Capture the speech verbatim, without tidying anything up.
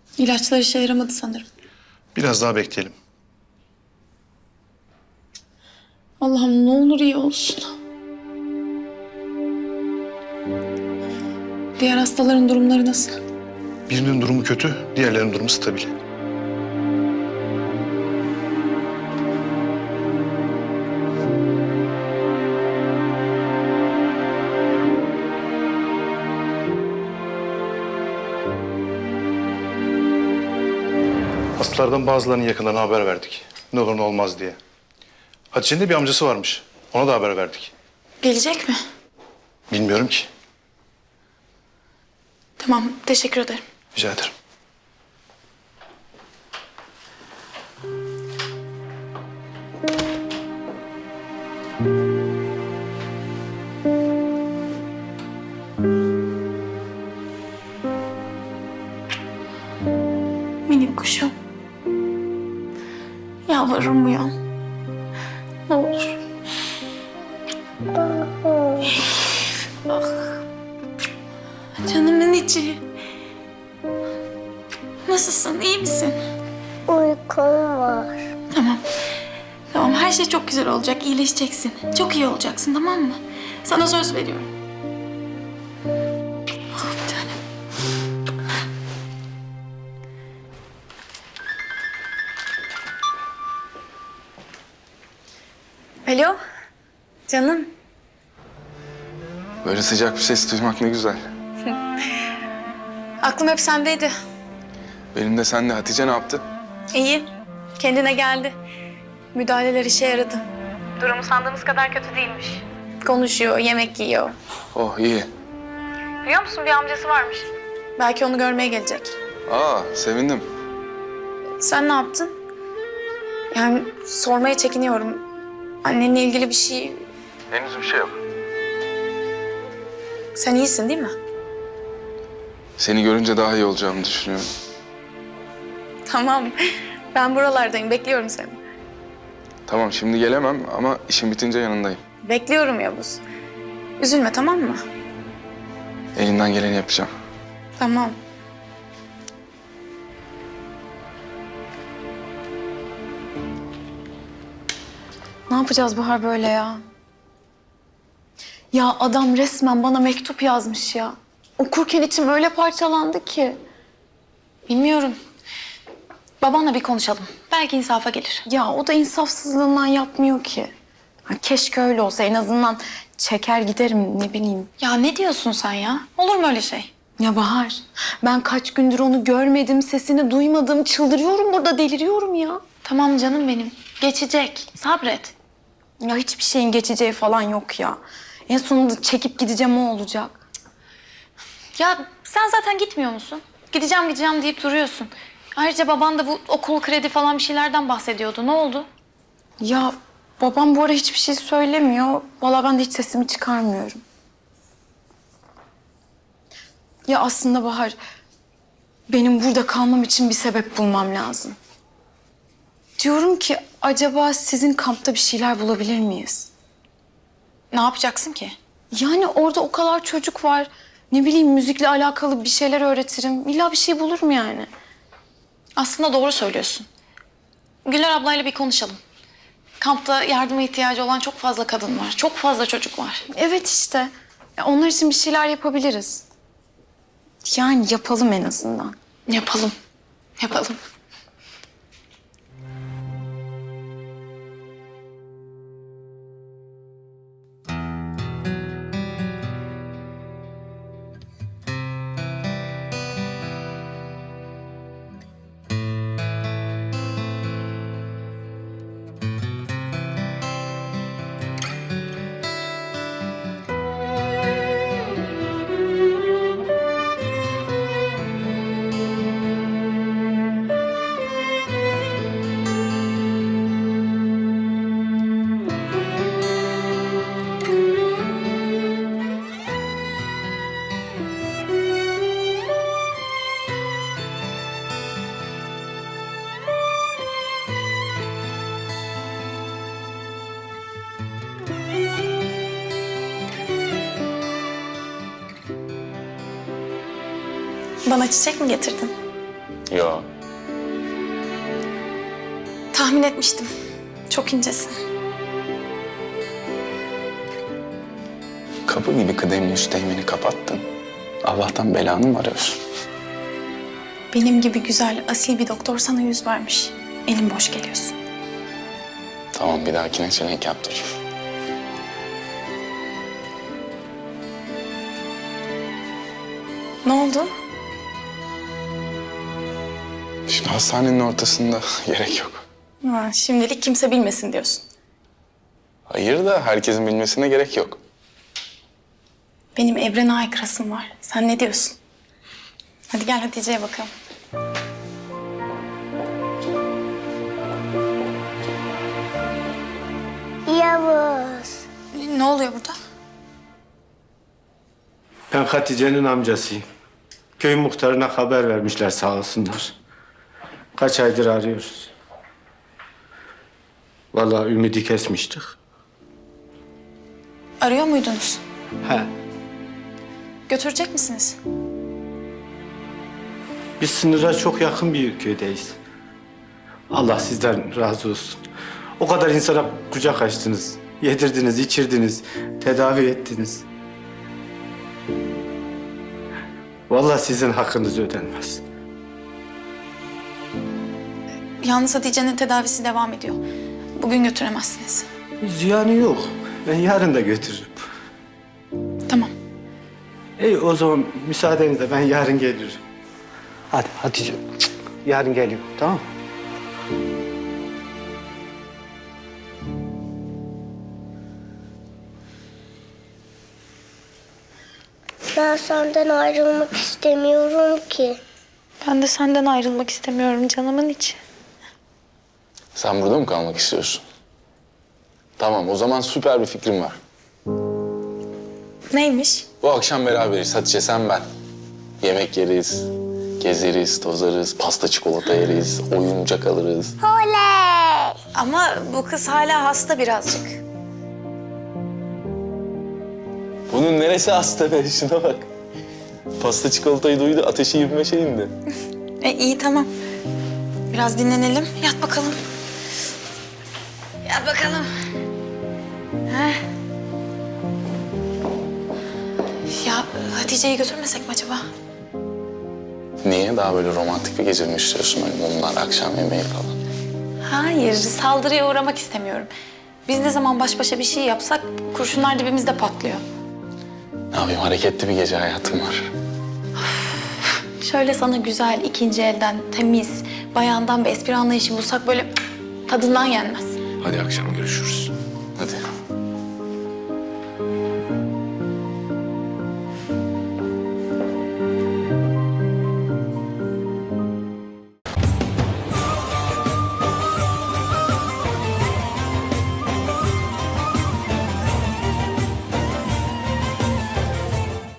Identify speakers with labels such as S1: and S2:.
S1: İlaçlar işe yaramadı sanırım.
S2: Biraz daha bekleyelim.
S1: Allah'ım ne olur iyi olsun. Diğer hastaların durumları nasıl?
S2: Birinin durumu kötü, diğerlerinin durumu stabil. Hastalardan bazılarının yakınlarına haber verdik. Ne olur ne olmaz diye. Hatice'nin de bir amcası varmış. Ona da haber verdik.
S1: Gelecek mi?
S2: Bilmiyorum ki.
S1: Tamam, teşekkür ederim.
S2: Rica ederim.
S1: Minik kuşum. Yalvarırım uyan. Ne olur. Ah. Canımın içi. Nasılsın, iyi misin?
S3: Uykum var.
S1: Tamam. Tamam, her şey çok güzel olacak, iyileşeceksin. Çok iyi olacaksın, tamam mı? Sana söz veriyorum. Ah, bir tanem. Alo, canım.
S4: Böyle sıcak bir ses duymak ne güzel.
S1: Aklım hep sendeydi.
S4: Benim de sen de. Hatice ne yaptı?
S1: İyi, kendine geldi. Müdahaleler işe yaradı. Durumu sandığımız kadar kötü değilmiş. Konuşuyor, yemek yiyor.
S4: Oh iyi.
S1: Biliyor musun bir amcası varmış. Belki onu görmeye gelecek.
S4: Aa sevindim.
S1: Sen ne yaptın? Yani sormaya çekiniyorum. Annenle ilgili bir şey...
S4: Henüz bir şey yok.
S1: Sen iyisin değil mi?
S4: Seni görünce daha iyi olacağımı düşünüyorum.
S1: Tamam. Ben buralardayım. Bekliyorum seni.
S4: Tamam şimdi gelemem ama işim bitince yanındayım.
S1: Bekliyorum Yavuz. Üzülme tamam mı?
S4: Elimden geleni yapacağım.
S1: Tamam. Ne yapacağız Bahar böyle ya? Ya adam resmen bana mektup yazmış ya. Okurken içim öyle parçalandı ki. Bilmiyorum. Babanla bir konuşalım. Belki insafa gelir. Ya o da insafsızlığından yapmıyor ki. Ha, keşke öyle olsa en azından çeker giderim ne bileyim. Ya ne diyorsun sen ya? Olur mu öyle şey? Ya Bahar, ben kaç gündür onu görmedim, sesini duymadım. Çıldırıyorum burada, deliriyorum ya. Tamam canım benim. Geçecek. Sabret. Ya hiçbir şeyin geçeceği falan yok ya. En sonunda çekip gideceğim o olacak. Ya sen zaten gitmiyor musun? Gideceğim gideceğim deyip duruyorsun. Ayrıca baban da bu okul kredi falan bir şeylerden bahsediyordu. Ne oldu? Ya babam bu ara hiçbir şey söylemiyor. Vallahi ben de hiç sesimi çıkarmıyorum. Ya aslında Bahar, benim burada kalmam için bir sebep bulmam lazım. Diyorum ki acaba sizin kampta bir şeyler bulabilir miyiz? Ne yapacaksın ki? Yani orada o kadar çocuk var. Ne bileyim müzikle alakalı bir şeyler öğretirim. İlla bir şey bulurum yani. Aslında doğru söylüyorsun. Güler ablayla bir konuşalım. Kampta yardıma ihtiyacı olan çok fazla kadın var. Çok fazla çocuk var. Evet işte. Ya onlar için bir şeyler yapabiliriz. Yani yapalım en azından. Yapalım. Yapalım. Bana çiçek mi getirdin?
S4: Yo.
S1: Tahmin etmiştim. Çok incesin.
S4: Kapı gibi kıdemli üsteğmeni kapattın. Allah'tan belanı mı arıyorsun?
S1: Benim gibi güzel, asil bir doktor sana yüz vermiş. Elim boş geliyorsun.
S4: Tamam, bir dahakine çelenk yaptır.
S1: Ne oldu?
S4: Şimdi hastanenin ortasında gerek yok.
S1: Ha, şimdilik kimse bilmesin diyorsun.
S4: Hayır da herkesin bilmesine gerek yok.
S1: Benim evrene aykırısım var. Sen ne diyorsun? Hadi gel Hatice'ye bakalım.
S3: Yavuz.
S1: Ne oluyor burada?
S5: Ben Hatice'nin amcasıyım. Köy muhtarına haber vermişler sağ olsunlar. Kaç aydır arıyoruz. Vallahi ümidi kesmiştik.
S1: Arıyor muydunuz?
S5: He.
S1: Götürecek misiniz?
S5: Biz sınıra çok yakın bir köydeyiz. Allah sizden razı olsun. O kadar insana kucak açtınız. Yedirdiniz, içirdiniz, tedavi ettiniz. Vallahi sizin hakkınız ödenmez.
S1: Yalnız Hatice'nin tedavisi devam ediyor. Bugün götüremezsiniz.
S5: Ziyanı yok. Ben yarın da götürürüm.
S1: Tamam.
S5: İyi o zaman müsaadenizle ben yarın gelirim. Hadi Hatice. Cık, yarın geliyorum tamam mı?
S3: Ben senden ayrılmak istemiyorum ki.
S1: Ben de senden ayrılmak istemiyorum canımın içi.
S4: Sen burada mı kalmak istiyorsun? Tamam, o zaman süper bir fikrim var.
S1: Neymiş?
S4: Bu akşam beraberiz Hatice, sen ben. Yemek yeriz, gezeriz, tozarız, pasta çikolata yeriz, oyuncak alırız.
S3: Oley!
S1: Ama bu kız hala hasta birazcık.
S4: Bunun neresi hasta be? Şuna bak. Pasta çikolatayı duydu, ateşi yirmi beşe indi.
S1: E iyi tamam. Biraz dinlenelim. Yat bakalım. Yat bakalım. Heh. Ya Hatice'yi götürmesek mi acaba?
S4: Niye? Daha böyle romantik bir gece mi istiyorsun? Böyle mumlar, akşam yemeği falan.
S1: Hayır, saldırıya uğramak istemiyorum. Biz ne zaman baş başa bir şey yapsak kurşunlar dibimizde patlıyor.
S4: Ne yapayım? Hareketli bir gece hayatım var.
S1: Şöyle sana güzel, ikinci elden, temiz, bayandan bir espri anlayışı bulsak böyle tadından yenmez.
S4: Hadi akşam görüşürüz. Hadi.